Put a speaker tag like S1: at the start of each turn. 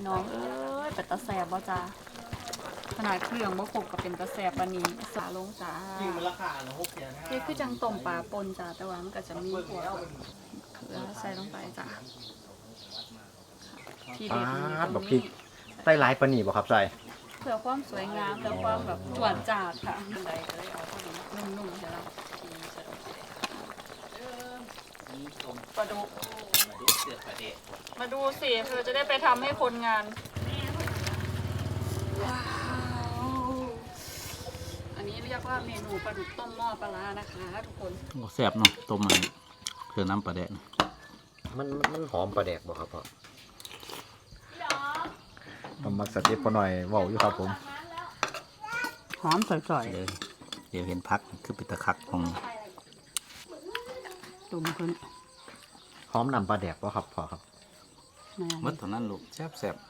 S1: น้องเอ้ยเป็นตาแสบบ่จ้าขนาดเครื่องบ่ครบก็เป็นตาแสบปานนี้สาลงจ้า
S2: จริงมันราคาละ6,500
S1: นี่คือจังต้มปลาปนจ้าแต่ว่ามันก็จะมีพวกเกลือใส่ลงไปจ้าที่
S3: ปา
S1: เด็ดนี่
S3: ด
S1: ต
S3: บั
S1: ร
S3: ก
S1: ง
S3: พริ
S1: นี้
S3: กใส่หลายปานนี้บ่ครับใส่
S1: เพื่อความสวยงามและความแบบจวดจาดค่ะใดก็เลยเอาเท่านี้นุ่มๆใช่ไหมปลาดุกมาดูสิเธอจะได้ไปทำให้คนงานว้าวอันนี้เรียกว่าเมนูปลาดุกต้มหม้อปลาร้านะคะทุกคน
S4: แซ่บเนาะต้มมันเคือน้ำปลาแดก
S3: มันหอมปลาแดกบ่ครับพ่อผมมักสเต็ปพอหน่อยเว้าอยู่ครับผม
S1: หอมจ่อย
S4: เดี๋ยวเห็นพักคือเป็นตะคักของ
S1: ๆตุ่มขึ้น
S3: หอมนำปลาแดกบ่ครับพ่อครับ
S4: มัดเท่านั้นลูกแซ่บ